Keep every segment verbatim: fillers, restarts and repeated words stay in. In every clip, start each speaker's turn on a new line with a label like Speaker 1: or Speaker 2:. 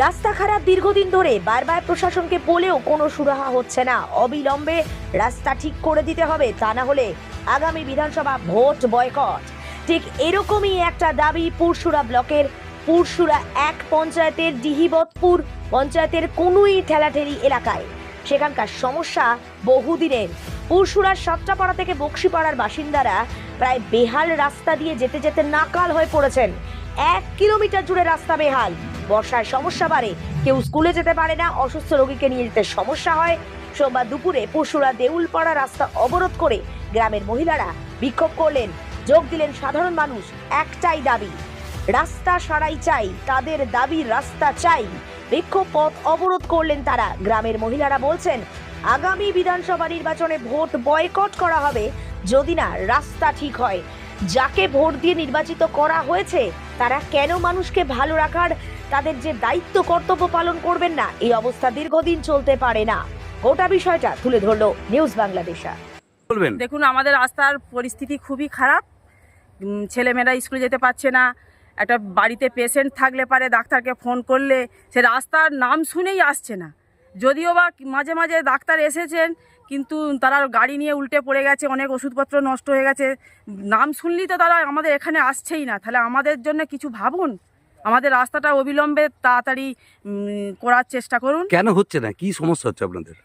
Speaker 1: রাস্তা খারাপ দীর্ঘদিন ধরে, বারবার প্রশাসনকে বলেও কোনো সুরাহা হচ্ছে না। অবিলম্বে রাস্তা ঠিক করে দিতে হবে, তা না হলে আগামী বিধানসভা ভোট বয়কট। ঠিক এরকমই একটা দাবি পুরসুরা ব্লকের পুরসুরা এক পঞ্চায়েতের ডিহিবতপুর পঞ্চায়েতের কুনুই ঠেলাঠেলি এলাকায়। সেখানকার সমস্যা বহুদিনের। পুরসুরার সাতটাপাড়া থেকে বক্সিপাড়ার বাসিন্দারা প্রায় বেহাল রাস্তা দিয়ে যেতে যেতে নাকাল হয়ে পড়েছেন। এক কিলোমিটার জুড়ে রাস্তা বেহাল। বর্ষায় সমস্যা বাড়ে, কেউ স্কুলে যেতে পারে না, অসুস্থ রোগীকে নিয়ে যেতে সমস্যা হয়। সোমবার দুপুরে পুরসুরা দেউলপাড়া রাস্তা অবরোধ করে গ্রামের মহিলারা বিক্ষোভ করলেন। যোগ দিলেন সাধারণ মানুষ। একটাই দাবি, রাস্তা সারাই চাই, তাদের দাবি রাস্তা চাই। বিক্ষোভ পথ অবরোধ করলেন তারা। গ্রামের মহিলারা বলছেন, আগামী বিধানসভা নির্বাচনে ভোট বয়কট করা হবে যদি না রাস্তা ঠিক হয়। যাকে ভোট দিয়ে নির্বাচিত করা হয়েছে তারা কেন মানুষকে ভালো রাখার তাদের যে দায়িত্ব কর্তব্য পালন করবেন না? এই অবস্থা দীর্ঘদিন চলতে পারে না। গোটা বিষয়টা তুলে ধরলো নিউজ বাংলাদেশা।
Speaker 2: বলবেন,
Speaker 3: দেখুন, আমাদের রাস্তার পরিস্থিতি খুবই খারাপ। ছেলেমেয়েরা স্কুলে যেতে পারছে না। একটা বাড়িতে পেশেন্ট থাকলে পারে ডাক্তারকে ফোন করলে সে রাস্তার নাম শুনেই আসছে না। যদিও বা মাঝে মাঝে ডাক্তার এসেছেন, কিন্তু তারা গাড়ি নিয়ে উল্টে পড়ে গেছে, অনেক ওষুধপত্র নষ্ট হয়ে গেছে। নাম শুনলেই তো তারা আমাদের এখানে আসছেই না। তাহলে আমাদের জন্য কিছু ভাবুন, আমাদের রাস্তাটা অবিলম্বে তাড়াতাড়ি করার চেষ্টা করুন।
Speaker 2: কেন হচ্ছে না? কি সমস্যা হচ্ছে আপনাদের?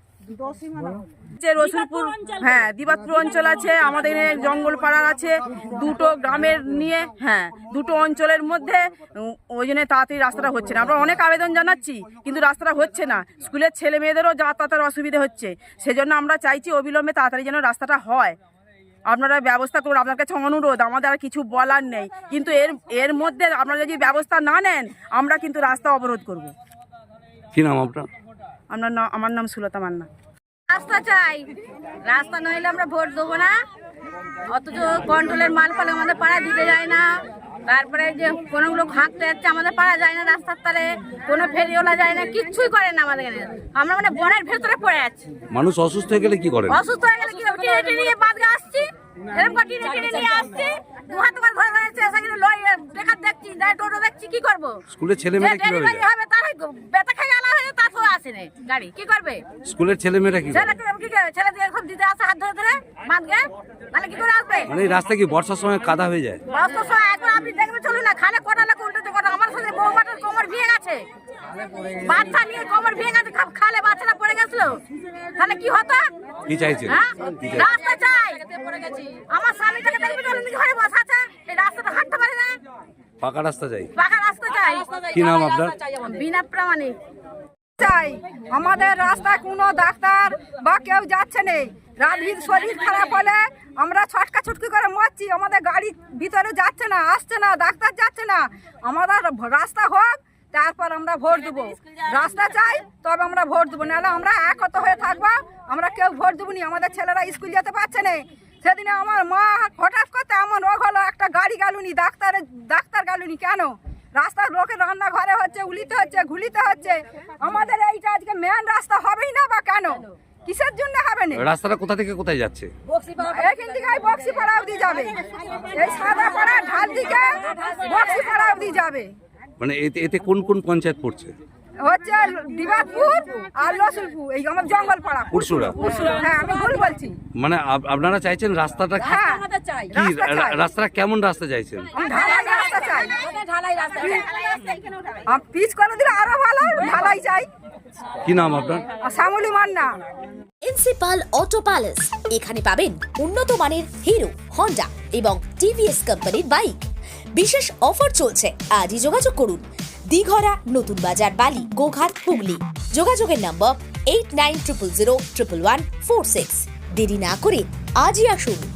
Speaker 3: যে রসুলপুর, হ্যাঁ দিবাতপুর অঞ্চল আছে, আমাদের জঙ্গল পাড়া আছে, দুটো গ্রামের নিয়ে, হ্যাঁ দুটো অঞ্চলের মধ্যে। ওই জন্য তাড়াতাড়ি রাস্তাটা হচ্ছে না। আমরা অনেক আবেদন জানাচ্ছি, কিন্তু রাস্তাটা হচ্ছে না। স্কুলের ছেলে মেয়েদেরও যাতায়াতের অসুবিধা হচ্ছে। সেজন্য আমরা চাইছি অবিলম্বে তাড়াতাড়ি যেন রাস্তাটা হয়। আপনারা ব্যবস্থা করুন। আপনার কাছে অনুরোধ, আমাদের আর কিছু বলার নেই, কিন্তু এর এর মধ্যে আপনারা যদি ব্যবস্থা না নেন আমরা কিন্তু রাস্তা অবরোধ করব।
Speaker 2: কি নাম আপনার?
Speaker 3: আপনার নাম? আমার নাম সুলতা মান্না।
Speaker 4: রাস্তা চাই, রাস্তা নইলে আমরা ভোট দেবো না। অথচ কন্ট্রোলের মাল পালে আমাদের পাড়া দিতে যায় না। তারপরে যে কোনোগুলো হাঁকতে যাচ্ছে আমাদের পাড়া যায় না, রাস্তার তারে কোনো ফেরিওয়ালা যায় না, কিচ্ছুই করে না আমাদের এখানে। আমরা মানে বনের ভেতরে পড়ে আছি।
Speaker 2: মানুষ অসুস্থ হয়ে গেলে কি করেন?
Speaker 4: অসুস্থ হয়ে গেলে কি টেনে টেনে নিয়ে বাদগা আসছি, এরকম করে টেনে টেনে নিয়ে আসছি। দু হাত করে ধরে ধরে সেখানে লই বেকার দেখছি, টোটো দেখছি, কি করবো?
Speaker 2: স্কুলের ছেলেমেয়েরা কি
Speaker 4: ডেলিভারি হবে তার বেতা খাই আলা হয়ে তারপর আসে না গাড়ি, কি করবে?
Speaker 2: স্কুলের ছেলেমেয়েরা কি করে?
Speaker 4: ছেলে কি করে? ছেলে দিয়ে এখন দিতে আসে হাত ধরে ধরে বাঁধবে, মানে কি করে আসবে?
Speaker 2: মানে এই রাস্তা কি বর্ষার সময় কাদা হয়ে যায়?
Speaker 4: বর্ষার সময় এখন আপনি দেখবেন, চলুন না, খালে কটা লোক উল্টে কটা। আমার সাথে বউ বাটার কোমর ভেঙে গেছে, বাচ্চা নিয়ে কোমর ভেঙে গেছে, খালে বাচ্চাটা পড়ে গেছিল। তাহলে কি হতো?
Speaker 2: কি চাইছেন?
Speaker 4: হ্যাঁ, রাস্তা চাই। আমার স্বামীটাকে দেখবি চলুন, ঘরে বসে আছে, এই রাস্তাটা হাঁটতে পারে না।
Speaker 2: পাকা রাস্তা চাই।
Speaker 4: পাকা রাস্তা চাই।
Speaker 2: কি নাম আপনার?
Speaker 4: বিনা প্রামাণিক
Speaker 5: চাই। আমাদের রাস্তায় কোনো ডাক্তার বা কেউ যাচ্ছে না। রাতভর শরীর খারাপ হলে আমরা ছটকা ছুটকি করে মরছি। আমাদের গাড়ি ভিতরে যাচ্ছে না, আসছে না, ডাক্তার যাচ্ছে না। আমাদের রাস্তা হোক, তারপর আমরা ভোট দেবো। রাস্তা চাই, তবে আমরা ভোট দেবো, নাহলে আমরা একত হয়ে থাকবো। আমরা কেউ ভোট দেবো নি। আমাদের ছেলেরা স্কুল যেতে পারছে না। সেদিনে আমার মা হঠাৎ করতে এমন রোগ হলো, একটা গাড়ি গেলুনি, ডাক্তারে ডাক্তার গেলুনি। কেন? রাস্তার লোকের রান্নাঘরে হচ্ছে, উলিতে হচ্ছে, ঘুলিতে হচ্ছে। আমাদের এইটা আজকে মেন রাস্তা হবেই না, বা কেন? কিসের জন্য হবে না?
Speaker 2: রাস্তাটা কোথা থেকে কোথায় যাচ্ছে?
Speaker 5: এখান থেকে বক্সিপাড়া অবধি যাবে, এই সাদা পাড়া ঢাল দিকে বক্সিপাড়া অবধি যাবে।
Speaker 2: মানে এতে এতে কোন কোন পঞ্চায়েত পড়ছে?
Speaker 5: হচ্ছে দিবাতপুর আর রসুলপুর, এই আমার জঙ্গল পাড়া
Speaker 2: পুরসুরা।
Speaker 5: হ্যাঁ, আমি ভুল বলছি।
Speaker 2: মানে আপ- আপনারা চাইছেন রাস্তাটা কি?
Speaker 5: হ্যাঁ,
Speaker 2: কি
Speaker 5: রাস্তা চাই।
Speaker 2: রা- রাস্তাটা কেমন রাস্তা চাইছেন?
Speaker 5: আমি ঢালাই রাস্তা চাই। আমি পিচ করে দিলে আরো ভালো, ঢালাই চাই।
Speaker 2: কি নাম আপনার?
Speaker 5: আর Shyamali Manna.
Speaker 6: Principal Auto Palace, এখানে পাবেন উন্নত মানের হিরো, হন্ডা এবং টিভিএস কোম্পানির বাইক। বিশেষ অফার চলছে, আজই যোগাযোগ করুন। দিঘরা, নতুন বাজার, বালি, গোঘাট, হুগলি। যোগাযোগের number eight nine triple zero triple one four six. দেরি না করে আজই আসুন।